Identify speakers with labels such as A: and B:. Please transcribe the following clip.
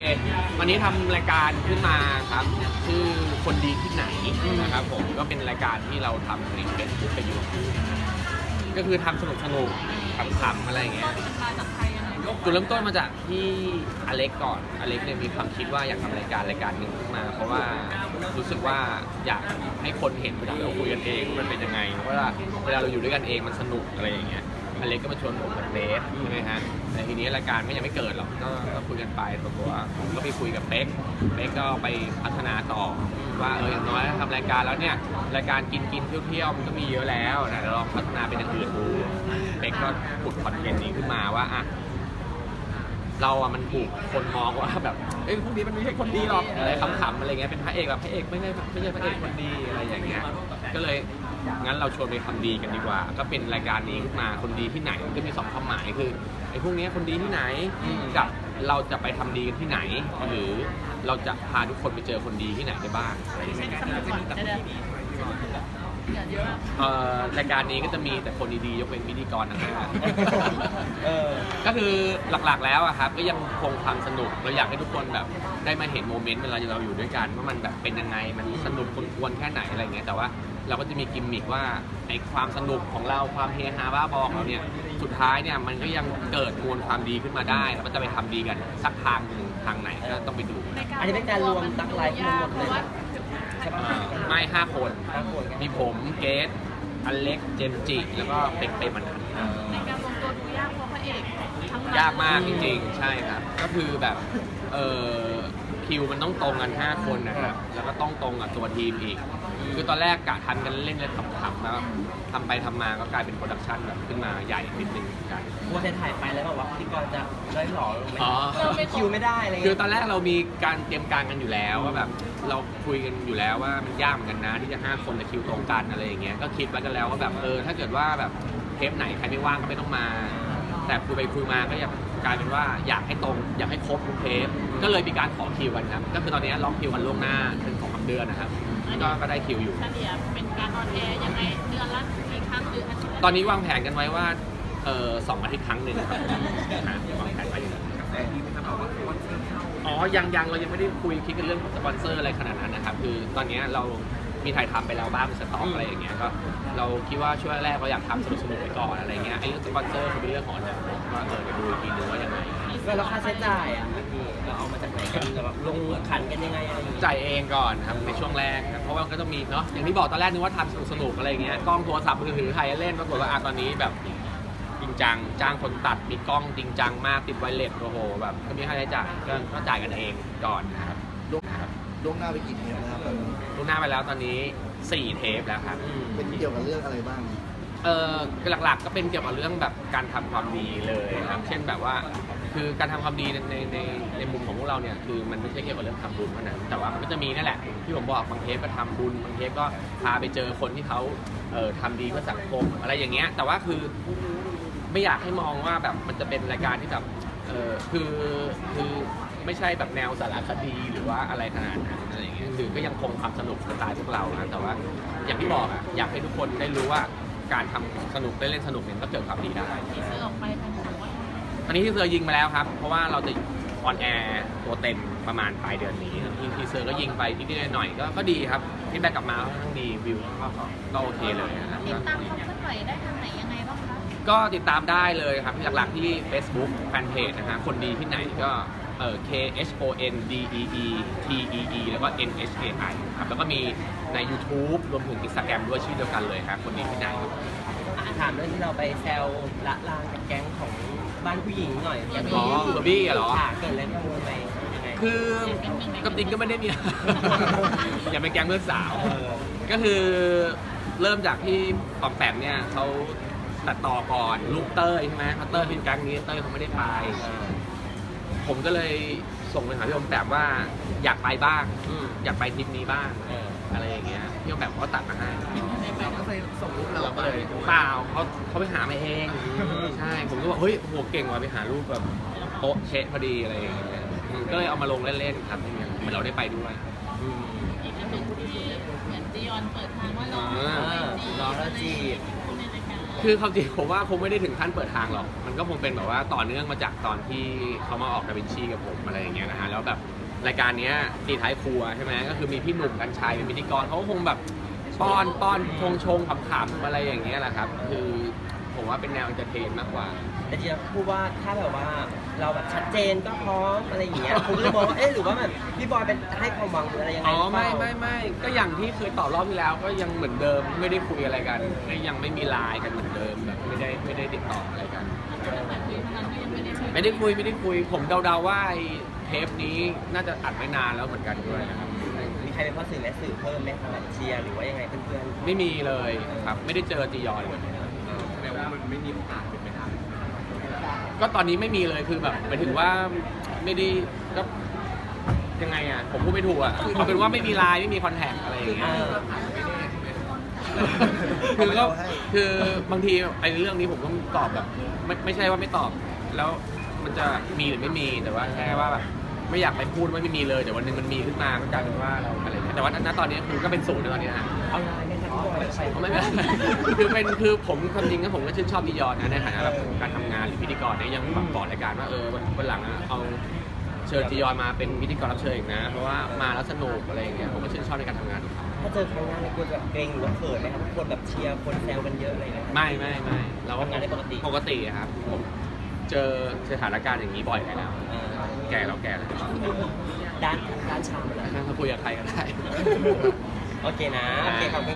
A: วันนี้ทำรายการขึ้นมาครับชื่อคนดีที่ไหนนะครับผมก็เป็นรายการที่เราทำในเฟซบุ๊กไปอยู่ก็คือทำสนุกขำๆอะไรอย่างเงี้ยจุดเริ่มต้นมาจากที่อเล็กก่อนอเล็กเนี่ยมีความคิดว่าอยากทำรายการหนึ่งขึ้นมาเพราะว่ารู้สึกว่าอยากให้คนเห็นเวลาเราคุยกันเองมันเป็นยังไงเพราะว่าเวลาเราอยู่ด้วยกันเองมันสนุกอะไรอย่างเงี้ยอเล็กก็มาชวนผมกับเบสใช่ไหมฮะแต่ทีนี้รายการก็ยังไม่เกิดหรอกก็คุยกันไปตัวผมก็ไปคุยกับเป๊กก็ไปพัฒนาต่อว่าอย่างน้อยทำรายการแล้วเนี่ยรายการกินเที่ยวมันก็มีเยอะแล้วนะเดี๋ยวลองพัฒนาเป็นอย่างอื่นดูเป๊กก็ขุดคอนเทนต์นี้ขึ้นมาว่าอ่ะเราอะมันถูกคนมองว่าแบบพวกนี้มันไม่ใช่คนดีหรอกอะไรขำๆอะไรเงี้ยเป็นพระเอกแบบพระเอกไม่ใช่พระเอกคนดีอะไรอย่างเงี้ยก็เลยงั้นเราชวนไปทำดีกันดีกว่าก็เป็นรายการนี้ขึ้นมาคนดีที่ไหนมันก็มี2ความหมายคือไอ้พวกนี้คนดีที่ไหนกับเราจะไปทำดีกันที่ไหนหรือเราจะพาทุกคนไปเจอคนดีที่ไหนได้บ้างอะไรอย่างเงี้ยรายการนี้ก็จะมีแต่คนดีๆยกเว้นพิธีกรนะครับก็คือหลักๆแล้วอะครับก็ยังคงความสนุกเราอยากให้ทุกคนแบบได้มาเห็นโมเมนต์เวลาเราอยู่ด้วยกันว่ามันแบบเป็นยังไงมันสนุกกวนแค่ไหนอะไรเงี้ยแต่ว่าเราก็จะมีกิมมิคว่าไอ้ความสนุกของเราความเฮฮาบ้าบอของเราเนี่ยสุดท้ายเนี่ยมันก็ยังเกิดมวลความดีขึ้นมาได้แล้วก็จะไปทำดีกันสักทางหนึ่งทางไหนก็ต้องไปดู
B: อันนี้เป็นการรวมตักไลฟ์ทั้งหมดเลย
A: ไม่5 คนมีผมเกสอเล็กเจมจิแล้วก็เป็กเปมัน
C: ในการรวมตัวดูยากเพราะพระเอก
A: ยากมากจริงๆใช่ครับก็คือแบบคิวมันต้องตรงกัน5 คนนะครับแล้วก็ต้องตรงกับตัวทีมอีกคือตอนแรกกะทันกันเล่นขำๆแล้วทำไปทำมาก็กลายเป็นโปรดักชันแบบขึ้นมาใหญ่นิดนึงกัน
B: ว่าจะถ่ายไปแล้วแบบว่าพิธีกรจะได้หล่อลงไหมคิวไม่ได้อะไร
A: คือตอนแรกเรามีการเตรียมการกันอยู่แล้วว่าแบบเราคุยกันอยู่แล้วว่ามันยากเหมือนกันนะที่จะ5 คนแต่คิวตรงกันอะไรอย่างเงี้ยก็คิดไว้กันแล้วว่าแบบถ้าเกิดว่าแบบเทปไหนใครไม่ว่างก็ไม่ต้องมาแต่คุยไปคุยมาก็อยากกลายเป็นว่าอยากให้ตรงอยากให้ครบทุกเทปก็เลยมีการขอคิวกันครับก็คือตอนนี้ล็อกคิวกันล่วงหน้าเป็น2-3 เดือนนะครับก็ได้คิวอยู่
C: เฉลี่ยเป็นการออนแอร์ยังไงเดือนละกี่ครั้งหรืออาทิตย์
A: ตอนนี้วางแผนกันไว้ว่า2 อาทิตย์ครั้งหนึ่งครับวางแผนไว้ยังเรายังไม่ได้คุยคิดกันเรื่องสปอนเซอร์อะไรขนาดนั้นนะครับคือตอนนี้เรามีถ่ายทำไปแล้วบ้างเป็นสต็อกอะไรอย่างเงี้ยก็เราคิดว่าช่วงแรกเราอยากทำสนุกไปก่อนอะไรเงี้ยไอ้เรื่องสปอนเซอร์คือเป็นเรื่องของอนาคตว่าเดี๋ยวดูอีกทีนึงว่ายังไง
B: แล้วค่าใช้จ่ายอ่ะพี่เราเอามาจากไหนกันแบบลงขันกันยังไงอะไร
A: จ่ายเองก่อนครับในช่วงแรกเพราะว่าก็ต้องมีเนาะอย่างที่บอกตอนแรกนึกว่าทำสนุกอะไรเงี้ยกล้องโทรศัพท์มือถือถ่ายเล่นปรากฏว่าตอนนี้แบบจริงจังจ้างคนตัดมีกล้องจริงจังมากติดไวเลสโอ้โหแบบก็มีค่าใช้จ่ายก็จ่ายกันเองก่อนนะครับ
D: ล่วงหน้าไปกี่เทปนะครับ
A: ล่วงหน้าไปแล้วตอนนี้4 เทปแล้วครับ
D: เป็นเกี่ยวกับเรื่องอะไรบ้าง
A: หลักๆก็เป็นเกี่ยวกับเรื่องแบบการทำความดีเลยครับเช่นแบบว่าคือการทำความดีในมุมของพวกเราเนี่ยคือมันไม่ใช่เกี่ยวกับเรื่องทำบุญเท่านั้นแต่ว่ามันก็จะมีนั่นแหละที่ผมบอกบางเทปก็ทำบุญบางเทปก็พาไปเจอคนที่เขาทำดีเพื่อสังคมอะไรอย่างเงี้ยแต่ว่าคือไม่อยากให้มองว่าแบบมันจะเป็นรายการที่แบบคือไม่ใช่แบบแนวสารคดีหรือว่าอะไรขนาดนั้นอะไรอย่างเงี้ยคือก็ยังคงความสนุกสไตล์พวกเรานะแต่ว่าอย่างที่บอกอยากให้ทุกคนได้รู้ว่าการทำสนุกได้เล่นสนุกเนี่ยก็เกิดความดีได้
C: ทีเซอร์ออกไปเป็นแบบว่า
A: อันนี้ทีเซอร์ยิงมาแล้วครับเพราะว่าเราจะออนแอร์ตัวเต็มประมาณปลายเดือนนี้ทีเซอร์ก็ยิงไปนิดๆหน่อยๆก็ดีครับฟีดแบ็กกลับมาค่อนข้างดีวิวก็โอเคเลยนะครับ
C: ติดตามความเคลื่อนไหวได้ทางไหนยังไงบ้างคะ
A: ก็ติดตามได้เลยครับหลักๆที่ Facebook Fanpage นะฮะคนดีที่ไหนก็KHONDEETEE แล้วก็ NHAI ครับแล้วก็มีใน YouTube รวมถึง Instagram ด้วยชื่อเดียวกันเลยครับคนดีที่ไหนครับ
B: ถามเรื่องที่เราไปแซวละลานกับแก๊งของบ้านผู้หญิงหน่อยอย่าง
A: นี้เบอร์บี้เหรอ
B: เกิดอะไรขึ้นไป
A: คือกับจริงก็ไม่ได้มีอย่าเป็นแก๊งเพื่อนสาวก็คือเริ่มจากที่ปอมแปมเนี่ยเขาตัดต่อก่อนลูกเต้ยใช่ไหมเขาเต้ยเป็นแก๊งนี้เต้ยเขาไม่ได้ไปผมก็เลยส่งไปหาพี่อมแปมว่าอยากไปบ้างอยากไปทริปนี้บ้างอะไรอย่างเงี้ยพี่อมแปมเขาตัดมาให้
D: เราก็เลยส่งรูปเรา
A: ก็เลยเปล่าเขาไปหามาเองใช่ผมก็บอกเฮ้ยโหเก่งว่ะไปหารูปแบบโต๊ะเชะพอดีอะไรอย่างเงี้ยก็เลยเอามาลงเล่นๆครับอย่างเงี้ยเหมือนเราได้ไปด้วย
C: อีกอันหนึ่งที่เหมือนจียอนเปิดทางว่าน้อง
B: แล้วจีบ
A: คือความจริงผมว่าคงไม่ได้ถึงขั้นเปิดทางหรอกมันก็คงเป็นแบบว่าต่อเนื่องมาจากตอนที่เขามาออกดาวินชีกับผมอะไรอย่างเงี้ยนะฮะแล้วแบบรายการเนี้ยตีท้ายครัวใช่ไหมก็คือมีพี่หนุ่มกัญชัยเป็นพิธีกรเขาก็คงแบบป้อนชงขำๆอะไรอย่างเงี้ยแหละครับคือผมว่าเป็นแนวเอนเตอร์เทนมากกว่า
B: แต่จริงๆพูดว่าถ้าแบบว่าเราแบบชัดเจนก็พร้อมอะไรอย่างเงี้ยผมก็เลยมองว่าเอ๊ะหรือว่าแบบพี่บอยเป็นให้ความหวังหรืออะไรยังไง
A: อ๋อ
B: หรือเป
A: ไม่
B: ล่า
A: ก็อย่างที่เคยตอบรอบที่แล้วก็ยังเหมือนเดิมไม่ได้คุยอะไรกันก็ยังไม่มีไลน์กันเหมือนเดิมแบบไม่ได้ติดต่ออะไรกัน ไม่ได้คุยผมเดาๆว่าไอ้เทปนี้น่าจะอัดไม่นานแล้วเหมือนกันด้วยนะครับ
B: มีใครเป็นพ่อสื่อแม่สื่อเพิ่มไหมคะแบบเชียร์หรือว่ายังไงเพื่อน
A: ไม่มีเลยครับไม่ได้เจอจียอนเลย
D: แปลว่ามันไม่มีโอกาสเป็นไปได้
A: ก็ตอนนี้ไม่มีเลยคือแบบหมายถึงว่าไม่ได้ก็ยังไงอ่ะผมพูดไม่ถูกอ่ะเอาเป็นว่าไม่มีไลน์ไม่มีคอนแทคอะไรอย่างเงี้ยคือก็คือบางทีไอ้เรื่องนี้ผมก็ตอบแบบไม่ใช่ว่าไม่ตอบ แล้วมันจะมีหรือไม่มีแต่ว่าแค่ว่าแบบไม่อยากไปพูดว่าไม่มีเลยแต่วันหนึงมันมีขึ้นมาก็กลายเป็นว่าเราอะไรอย่างเงี้ยแต่ว่าณตอนนี้คือก็เป็นศูนย์ในตอนนี้นะ
B: ๆเอาไลน์ไหมคะพี่บอยไป
A: ไม่คือผมความจริงก็ผมก็ชื่นชอบจียอนนะในฐานะแบบการทำงานหรือพิธีกรเนี่ยยังแบบบอกรายการว่าวันหลังอะเอาเชิญจียอนมาเป็นพิธีกรรับเชิญอีกนะเพราะว่ามาแล้วสนุกอะไรอย่างเงี้ยผมก็ชื่นชอบในการทำงานของเขา
B: ถ้าเจอครั้งหน้าในกลัวจะแบบเกรงหรือว่าเขินไหมครับคนแบบเชียร์คนแซวกันเยอะอะไรอย่างเงี้ย
A: ไม่เราก็
B: ทำงานได้ปกติ
A: ปกติครับผมเจอสถานการณ์อย่างนี้บ่อยไปแล้ว แก่แล้ว
B: ด้านชามอะไร
A: ถ้าคุยกับใครก็ได้
B: โอเคนะโอเคขอบคุณ